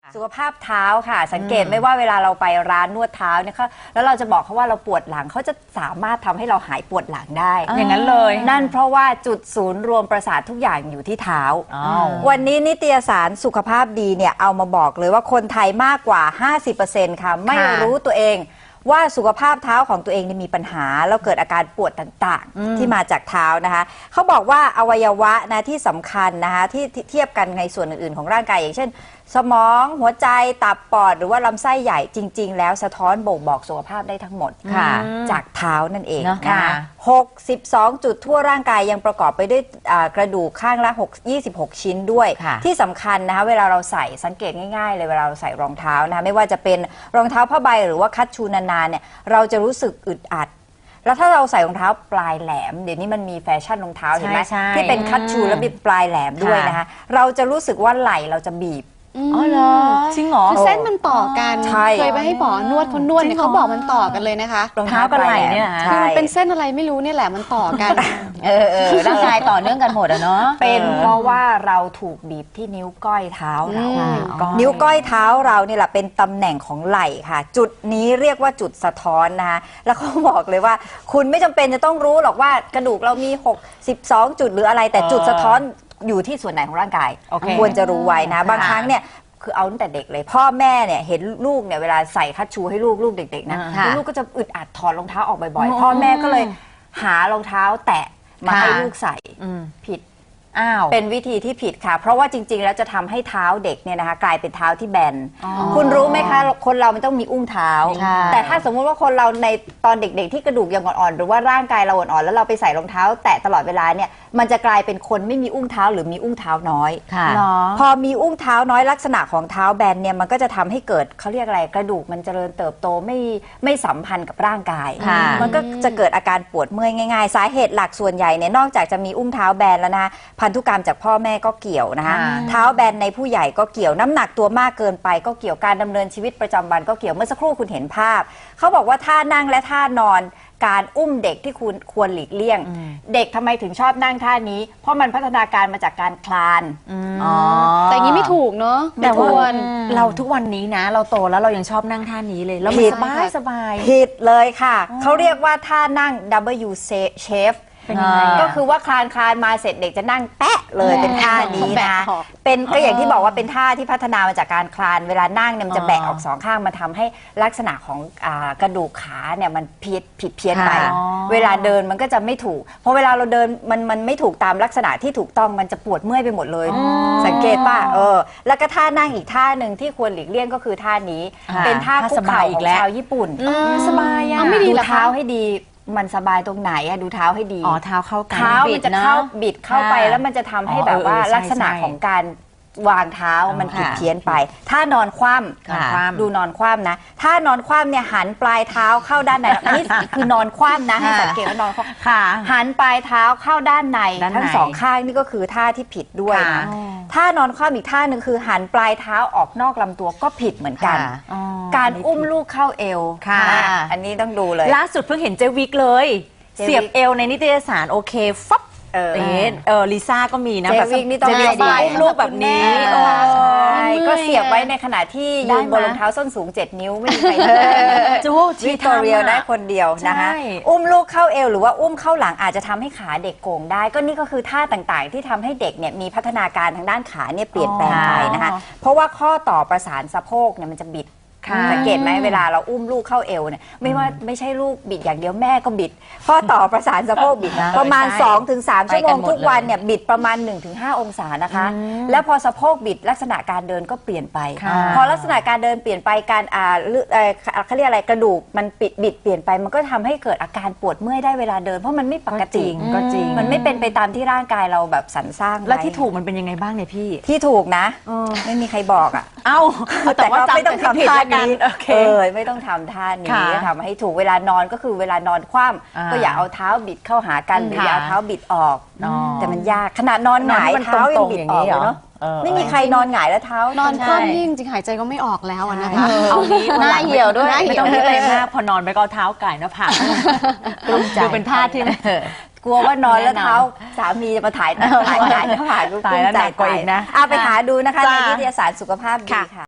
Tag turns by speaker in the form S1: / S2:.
S1: สุขภาพเท้าค่ะสังเกตไม่ว่าเวลาเราไปร้านนวดเท้าเนี่ยแล้วเราจะบอกเขาว่าเราปวดหลังเขาจะสามารถทำให้เราหายปวดหลังได้
S2: อย่างนั้นเลย
S1: นั่นเพราะว่าจุดศูนย์รวมประสาททุกอย่างอยู่ที่เท้าวันนี้นิตยสารสุขภาพดีเนี่ยเอามาบอกเลยว่าคนไทยมากกว่า 50% ค่ะไม่รู้ตัวเองว่าสุขภาพเท้าของตัวเองมีปัญหาแล้วเกิดอาการปวดต่างๆที่มาจากเท้านะคะเขาบอกว่าอวัยวะนะที่สำคัญนะคะที่เทียบกันในส่วนอื่นๆของร่างกายอย่างเช่นสมองหัวใจตับปอดหรือว่าลำไส้ใหญ่จริงๆแล้วสะท้อนบ่งบอกสุขภาพได้ทั้งหมดจากเท้านั่นเองนะคะ62 จุดทั่วร่างกายยังประกอบไปด้วยกระดูกข้างละ26 ชิ้นด้วยที่สำคัญนะคะเวลาเราใส่สังเกตง่ายๆเลยเวลาเราใส่รองเท้านะคะไม่ว่าจะเป็นรองเท้าผ้าใบหรือว่าคัชชูนานๆเนี่ยเราจะรู้สึกอึดอัดแล้วถ้าเราใส่รองเท้าปลายแหลมเดี๋ยวนี้มันมีแฟชั่นรองเท้าเห็นไหมที่เป็นคัชชูแล้วมีปลายแหลมด้วยนะคะเราจะรู้สึกว่าไหล่เราจะบีบ
S2: อ๋อเหรอจริงเหรอ
S3: คือเส้นมันต่อกันเคยไปให้หมอนวดเขานวดเนี่ยเขาบอกมันต่อกันเลยนะคะ
S2: รองเท้ากับไหล่เนี่ย
S3: คือมันเป็นเส้นอะไรไม่รู้เนี่ยแหละมันต่อกัน
S2: ร่างกายต่อเนื่องกันหมดอะเนาะ
S1: เป็นเพราะว่าเราถูกบีบที่นิ้วก้อยเท้าเรานิ้วก้อยเท้าเราเนี่ยแหละเป็นตำแหน่งของไหล่ค่ะจุดนี้เรียกว่าจุดสะท้อนนะคะแล้วเขาบอกเลยว่าคุณไม่จำเป็นจะต้องรู้หรอกว่ากระดูกเรามี62 จุดหรืออะไรแต่จุดสะท้อนอยู่ที่ส่วนไหนของร่างกายควรจะรู้ไว้นะบางครั้งเนี่ยคือเอาตั้งแต่เด็กเลยพ่อแม่เนี่ยเห็นลูกเนี่ยเวลาใส่คัชชูให้ลูกเด็กๆนะลูกก็จะอึดอัดถอดรองเท้าออกบ่อยๆพ่อแม่ก็เลยหารองเท้าแตะมาให้ลูกใส่ผิดเป็นวิธีที่ผิดค่ะเพราะว่าจริงๆแล้วจะทำให้เท้าเด็กเนี่ยนะคะกลายเป็นเท้าที่แบนคุณรู้ไหมคะคนเรามันต้องมีอุ้งเท้าแต่ถ้าสมมุติว่าคนเราในตอนเด็กๆที่กระดูกยังอ่อนๆหรือว่าร่างกายเราอ่อนๆแล้วเราไปใส่รองเท้าแตะตลอดเวลาเนี่ยมันจะกลายเป็นคนไม่มีอุ้งเท้าหรือมีอุ้งเท้าน้อยพอมีอุ้งเท้าน้อยลักษณะของเท้าแบนเนี่ยมันก็จะทำให้เกิดเขาเรียกอะไรกระดูกมันเจริญเติบโตไม่สัมพันธ์กับร่างกายมันก็จะเกิดอาการปวดเมื่อยง่ายๆสาเหตุหลักส่วนใหญ่เนี่ยนอกจากจะมีอุ้งเท้าแบนแล้วนะพันธุกรรมจากพ่อแม่ก็เกี่ยวนะคะเท้าแบนในผู้ใหญ่ก็เกี่ยวน้ำหนักตัวมากเกินไปก็เกี่ยวการดำเนินชีวิตประจำวันก็เกี่ยวเมื่อสักครู่คุณเห็นภาพเขาบอกว่าท่านั่งและท่านอนการอุ้มเด็กที่คุณควรหลีกเลี่ยงเด็กทำไมถึงชอบนั่งท่านี้เพราะมันพัฒนาการมาจากการคลาน
S3: แต่อย่างนี้ไม่ถูกเนาะ
S2: แต่ว่าเราทุกวันนี้นะเราโตแล้วเรายังชอบนั่งท่านี้เลยแล้วมันสบาย
S1: ผิดเลยค่ะเขาเรียกว่าท่านั่ง W shapeก็คือว่าคลานมาเสร็จเด็กจะนั่งแปะเลยเป็นท่านี้นะเป็นก็อย่างที่บอกว่าเป็นท่าที่พัฒนามาจากการคลานเวลานั่งเนี่ยมันจะแบะออกสองข้างมาทำให้ลักษณะของกระดูกขาเนี่ยมันผิดเพี้ยนไปเวลาเดินมันก็จะไม่ถูกเพราะเวลาเราเดินมันไม่ถูกตามลักษณะที่ถูกต้องมันจะปวดเมื่อยไปหมดเลยสังเกตป่ะแล้วก็ท่านั่งอีกท่าหนึ่งที่ควรหลีกเลี่ยงก็คือท่านี้เป็นท่าคุกเข่าของชาวญี่ปุ่น
S2: สบาย
S1: ไม่ดีเท้าให้ดีมันสบายตรงไหนอะดูเท้าให้ดี
S2: เท้าเข้ากัน
S1: เท้ามันจะเข้าบิดเข้าไปแล้วมันจะทำให้แบบว่าลักษณะของการวางเท้ามันผิดเพี้ยนไปถ้านอนคว่ำดูนอนคว่ำนะถ้านอนคว่ำเนี่ยหันปลายเท้าเข้าด้านในนี่คือนอนคว่ำนะให้สังเกตว่านอนคว่ำหันปลายเท้าเข้าด้านในทั้งสองข้างนี่ก็คือท่าที่ผิดด้วยนะท่านอนคว่ำอีกท่าหนึ่งคือหันปลายเท้าออกนอกลำตัวก็ผิดเหมือนกันการอุ้มลูกเข้าเอวอันนี้ต้องดูเลย
S2: ล่าสุดเพิ่งเห็นเจวิกเลยเสียบเอวในนิตยสารโอเคฟับลิซ่าก็มีนะแบบ
S1: นี่ต้อง
S2: อุ้มลูกแบบนี้
S1: ก็เสียบไว้ในขณะที่ยืนบนรองเท้าส้นสูง7 นิ้วไม่มีใครวิกตอเรียได้คนเดียวนะคะอุ้มลูกเข้าเอวหรือว่าอุ้มเข้าหลังอาจจะทำให้ขาเด็กโก่งได้ก็นี่ก็คือท่าต่างๆที่ทำให้เด็กเนี่ยมีพัฒนาการทางด้านขาเนี่ยเปลี่ยนแปลงไปนะคะเพราะว่าข้อต่อประสานสะโพกเนี่ยมันจะบิดสังเกตไหมเวลาเราอุ้มลูกเข้าเอวเนี่ยไม่ใช่ลูกบิดอย่างเดียวแม่ก็บิดข้อต่อประสานสะโพกบิดประมาณ 2-3 ชั่วโมงทุกวันเนี่ยบิดประมาณ 1-5 องศานะคะแล้วพอสะโพกบิดลักษณะการเดินก็เปลี่ยนไปพอลักษณะการเดินเปลี่ยนไปการเขาเรียกอะไรกระดูกมันบิดเปลี่ยนไปมันก็ทำให้เกิดอาการปวดเมื่อยได้เวลาเดินเพราะมันไม่ปกติ
S2: ก็จริง
S1: มันไม่เป็นไปตามที่ร่างกายเราแบบสรรสร้าง
S2: แล้วที่ถูกมันเป็นยังไงบ้างเนี่ยพี่
S1: ที่ถูกนะไม่มีใครบอกอ่ะ
S2: แต่ว่าไม่ต้องทำผิดกัน
S1: ไม่ต้องทำท่านี้ทำให้ถูกเวลานอนก็คือเวลานอนคว่ำก็อย่าเอาเท้าบิดเข้าหากันหรืออย่าเอาเท้าบิดออกแต่มันยากขนาดนอนหงายเท้ายังบิดออกเนาะไม่มีใครนอนหงายแล้วเท้าน
S3: อนคว่ำยิ่งจริงหายใจก็ไม่ออกแล้วนะคะ
S2: เอานี้
S3: หน้าเหี่ยวด้วย
S2: ไม่ต้องคิดอะไรมากพอนอนไปก็เท้าไก่หน้าผากดูเป็นท่าที่
S1: กลัวว่านอนแล้วเท้าสามีจะมาถ่ายหน้าผากลูกตายแล้ว
S2: ตายนะ
S1: เอาไปหาดูนะคะในนิตยสารสุขภาพดีค่ะ